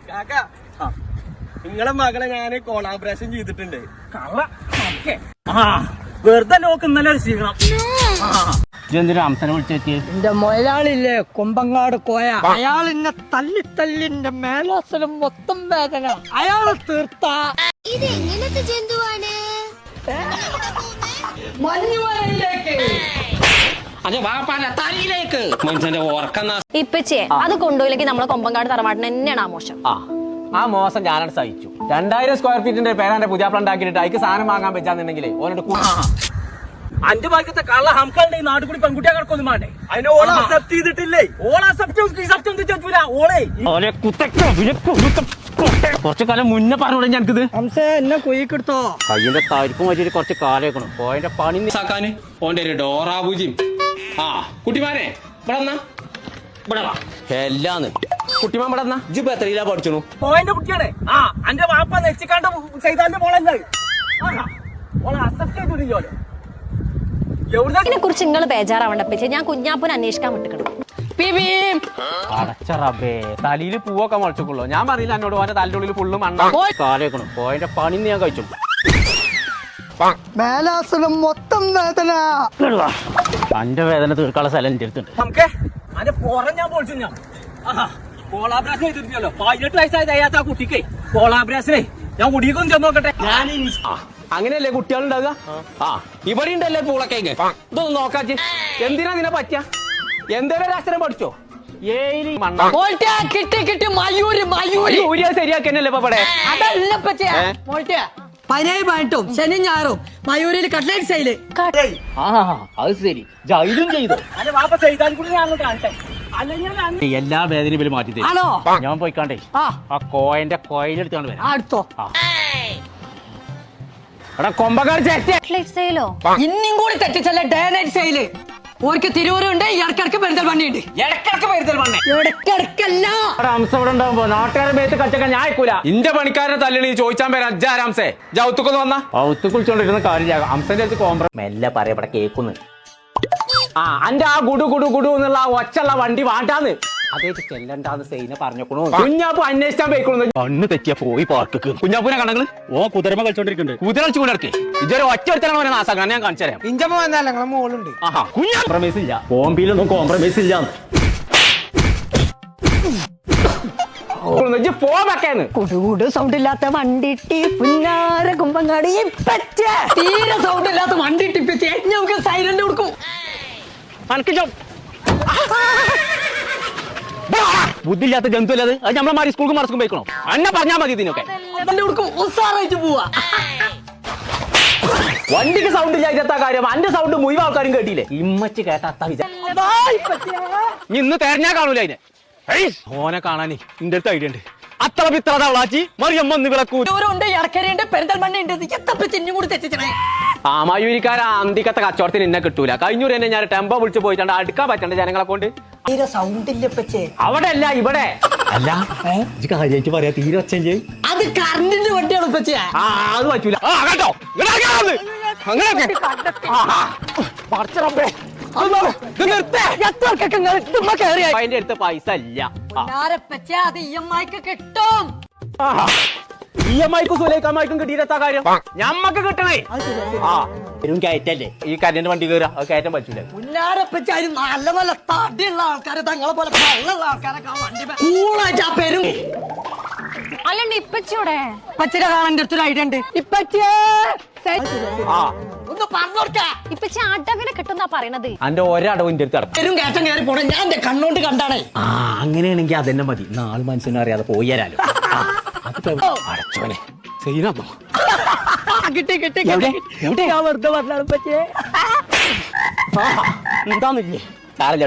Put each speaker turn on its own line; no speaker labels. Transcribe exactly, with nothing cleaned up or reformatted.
നിങ്ങളെ മകളെ ഞാന് കൊളാബറേഷൻ ചെയ്തിട്ടുണ്ട്.
വെറുതെ ലോക്ക് ഇന്നലെ ഒരു സ്വീകരണം.
എന്തിനാ അംസനെ വിളിച്ചെത്തിയ?
എന്റെ മൊയലാളില്ലേ കൊമ്പങ്ങാട് കോയ, അയാൾ എന്നെ തല്ലി തല്ലിന്റെ മേലാസനം മൊത്തം വേദന. അയാള് തീർത്ത
ഇത് എങ്ങനത്തെ ജന്തുവാണ്?
മഞ്ഞുമലയിലേക്ക്
തലയിലേക്ക് മനുഷ്യന്റെ ഓർക്കുന്ന
ഇപ്പച്ചേ അത് കൊണ്ടുപോയില്ലെങ്കിൽ നമ്മളെ കൊമ്പങ്കാട് തറവാട്ടിന് തന്നെയാണ് ആ മോശം.
ആ ആ മോശം ഞാനാണ് സഹിച്ചു. രണ്ടായിരം സ്ക്വയർ ഫീറ്റിന്റെ പേരാന്റെ പുതിയ പ്ലാൻ ഉണ്ടാക്കിയിട്ട് അതിക്ക് സാധനം വാങ്ങാൻ പറ്റാന്നുണ്ടെങ്കിലേ ഓനോട്
അഞ്ചു ഭാഗ്യത്തെ കള്ള ഹംകളുടെ ഈ നാട് കൂടി പെൺകുട്ടിയെ കിടക്കൊന്നും വേണ്ടേ?
അതിനെ ഓള അക്സെപ്റ്റ് ചെയ്തിട്ടില്ലേ?
ഓള ഓളെ
ഓനെ കുറച്ചു കാലം മുന്നേ പറഞ്ഞോളെ ഞങ്ങൾക്കിത്
ഹംസ എന്നെ കുയ്ക്കെടുത്തോ.
കയ്യിന്റെ തരിപ്പും വലിയൊരു കുറച്ച് കാലേക്കണം ഓന്റെ പണി സാക്കാന് ഓന്റെ ഒരു ഡോറാബുജിയും. ആ കുട്ടിമാനെ ഇവിടെ വന്നാ ഇവിടെ വാ എല്ലാന്ന് കുട്ടിമാൻ ഇവിടെ വന്നാ ഇജ്ജിപ്പോ എത്രയിലാ പഠിച്ചു?
പോയിന്റെ കുട്ടിയാണ്. ആ അന്റെ വാപ്പ നെച്ചിക്കാണ്ട് ചെയ്താന്റെ മോളല്ലേ ഓളെ അക്സെപ്റ്റ് ചെയ്തിട്ടില്ലോ.
ഇതിനെ കുറിച്ച് നിങ്ങൾ ബേജാറാവണ്ട ഇപ്പച്ചേ, ഞാൻ കുഞ്ഞാപ്പൂനെ അന്വേഷിക്കാൻ വിട്ടിക്കണം.
അടച്ച റബ്ബേ തലയില് പൂവൊക്കെ മുളച്ചോളൂ. ഞാൻ പറയില്ല എന്നോട് ഓന്റെ തലയുടെ ഉള്ളിൽ ഫുള്ള് മണ്ണ കാലേക്കണം പോയിന്റെ പണി ഞാൻ കഴിച്ചു.
മേലാസനം മൊത്തം വേദന.
അന്റെ വേദന തീർക്കാനുള്ള സ്ഥലം എന്റെ അടുത്തുണ്ട്.
നമുക്ക് അതിന്റെ പുറം ഞാൻ പൊളിച്ചു. ഞാൻ കോളാബ്രേഷൻ ചെയ്തിട്ടില്ലല്ലോ. പതിനെട്ട് വയസ്സായത് അയ്യാത്ത ആ കുട്ടിക്ക് കോളാബ്രേഷനെ ഞാൻ കുടിക്കൊന്നും ചെന്ന് നോക്കട്ടെ.
ഞാൻ അങ്ങനെയല്ലേ കുട്ടികളുണ്ടാവുക? ആ ഇവിടെ ഉണ്ടല്ലേ പൂളക്കേക്ക്. ഇതൊന്നും നോക്കാച്ച് എന്തിനാ നിന്നെ പറ്റിയ എന്തേലും അക്ഷരം പഠിച്ചോ? ഏരി മണ്ണ
കിട്ടി കിട്ടി മയൂര് മയൂര്
ഊരിയാ ശരിയാക്കന്നല്ലേ ഇപ്പൊ ഇവിടെ?
അതല്ല പതിനേഴ് പതിനെട്ടും ശനി ഞായറും മയൂരിൽ കട്ട്ലേറ്റ് സെയില്.
ആ അത് ശരി ജയിലും ചെയ്തോ?
അല്ലെ വാപ്പ ചെയ്താൽ കൂടി ഞാൻ കാണട്ടെ. അല്ലെങ്കിൽ
എല്ലാ വേദനയും ഇവര് മാറ്റി തരും.
ആണോ?
ഞാൻ പോയിക്കാണ്ടേ
ആ
ആ കോയന്റെ കോയിലെടുത്താണ് വരാം.
അടുത്തോ
എടാ കൊമ്പക്കാർ
സെയിലോ
ഇന്നും കൂടി തെറ്റിച്ചല്ല ഡേ നൈറ്റ് സെയില്. ഓർക്ക് തിരൂരുണ്ട്, ഇടക്കിടക്ക് പെരുന്തൽമണ്ണയുണ്ട്.
ഇടക്കിടക്ക് പെരുത്തൽ
ഇടക്കിടക്കല്ല
അംസം ഇവിടെ ഉണ്ടാവുമ്പോ നാട്ടുകാരെ മേത്ത് കച്ചക്കാൻ ഞാൻ അയക്കൂല. ഇന്റെ പണിക്കാരനെ തല്ലണി ചോദിച്ചാൻ പേര് അജ്ജാരാംസേ ജൗത്തുക്കൊന്ന് വന്ന ഔത്ത് കുളിച്ചോണ്ടിരുന്ന കാര്യം അംസന്റെ അടുത്ത് കോംപ്ര മെല്ലെ പറയപ്പെടെ കേക്കുന്നു. ആ അന്റെ ആ ഗുഡു ഗുഡു ഗുഡു എന്നുള്ള ആ ഒച്ചുള്ള വണ്ടി വാണ്ടാന്ന് അതേറ്റ് ചെല്ലണ്ടാന്ന് സൈന പറഞ്ഞോക്കണു. കുഞ്ഞാപ്പു അന്വേഷിച്ചാൻ പോയിക്കണു. കണ്ണ് തെറ്റിയ പോയി പാർക്ക് കുഞ്ഞാപ്പൂനെ കണങ്ങള് ഓ കുതിരമ കളിച്ചോണ്ടിരിക്കുന്നുണ്ട്. കുതിര കളിച്ചു കൊണ്ടിടക്കെ ഇതൊരു ഒറ്റ ഒരുത്തനാണ് നാസാക്കാൻ ഞാൻ കാണിച്ചു തരാം.
ഇഞ്ചമ്മ വന്നാലേ ഞങ്ങളെ മോളുണ്ട്.
ആഹാ കുഞ്ഞാ കോംപ്രമൈസ് ഇല്ല. ബോംബെയിലൊന്നും കോംപ്രമൈസ് ഇല്ല.
കുടുകൂട് സൗണ്ട് ഇല്ലാത്ത വണ്ടിട്ടി പുന്നാര കുമ്പങ്ങാടി തീരെ സൗണ്ട് ഇല്ലാത്ത വണ്ടി ടിപ്പിച്ച് നമുക്ക് സൈലന്റ് കൊടുക്കും.
ബുദ്ധിയില്ലാത്ത ജന്തു അല്ലത്. അത് നമ്മളെ മാറി സ്കൂൾക്ക് മറസ്ക്കും പോയിക്കണോ? അന്നെ പറഞ്ഞാ മതി ഇതിനൊക്കെ.
ഉസാറായിട്ട് പോവാ.
വണ്ടിക്ക് സൗണ്ട് ഇല്ലാത്ത കാര്യം അന്റെ സൗണ്ട് മുഴുവൻ ആൾക്കാരും കേട്ടില്ലേ? ഇമ്മച്ച് കേട്ട അത്ത വിചാ ഇന്ന് തെരഞ്ഞാ കാണൂല അതിനെ. ഓനെ കാണാനേ ഇന്റെ അടുത്ത് ഐഡിയ ഉണ്ട്. അത്ര പിത്ര തവളാച്ചി മറിയമ്മ
ദൂരമുണ്ട്, ഇടക്കരയുണ്ട്, പെരുന്തൽമണ്ണയുണ്ട്. ചിന്നും കൂടി തെറ്റിച്ചേ.
ആ മയൂരിക്കാര അന്തിക്കത്തെ കച്ചവടത്തിന് എന്നെ കിട്ടൂല. കഴിഞ്ഞൂർ തന്നെ ഞാൻ ടെമ്പോ വിളിച്ച് പോയിട്ടുണ്ട് അടുക്കാൻ പറ്റണ്ട ജനങ്ങളെ കൊണ്ട്.
തീരെ സൗണ്ട് ഇല്ലപ്പച്ചേ.
അവിടെ അല്ല ഇവിടെ അല്ല കാര്യമായിട്ട് പറയാ തീരെ ഒച്ച
അത് കറണ്ടിന്റെ വണ്ടിയാണ് പച്ചേ.
ആ അത് പറ്റൂല കേട്ടോ. അങ്ങനെയൊക്കെ അതിന്റെ അടുത്ത് പൈസ ഇല്ല.
അത് ഇ എം ഐക്ക് കിട്ടും.
ഇ എം ഐക്കും സുലൈക്കമ്മയ്ക്കും കിട്ടിയിട്ടാ കാര്യം ഞമ്മക്ക് കിട്ടണേ. ആ വരും കയറ്റല്ലേ ഈ കരണ്ട് വണ്ടി കയറാ അത് കയറ്റാൻ പറ്റൂല.
പുല്ലാരപ്പച്ച നല്ല നല്ല തടിയുള്ള ആൾക്കാരെ തങ്ങളെ പോലെ വെള്ളമുള്ള ആൾക്കാരൊക്കെ വണ്ടി കൂളായിട്ട് ആ പെരും
അല്ലണ്ട് ഇപ്പച്ചോടെ
ഇപ്പച്ചിനെ കാണാൻ അടുത്തൊരു ഐഡിയ ഉണ്ട്. ഇപ്പച്ചേ ഒന്ന് പറഞ്ഞോർക്ക
ഇപ്പച്ചി അടവിനെ കിട്ടുന്നാ പറയണത്.
അന്റെ ഒരടവും ഇന്റെ അടുത്ത്
പെരും കയറ്റം കയറി പോണേ ഞാൻ എന്റെ കണ്ണോണ്ട് കണ്ടാണേ.
ആ അങ്ങനെയാണെങ്കിൽ അതന്നെ മതി. നാല് മനുഷ്യനും അറിയാതെ പോയി തരാലോ. അടച്ചോനെ സീനാന്നോ
കിട്ടി കിട്ടി ഞാൻ വെറുതെ പറഞ്ഞാണ് പറ്റിയേ.
എന്താന്നില്ലേ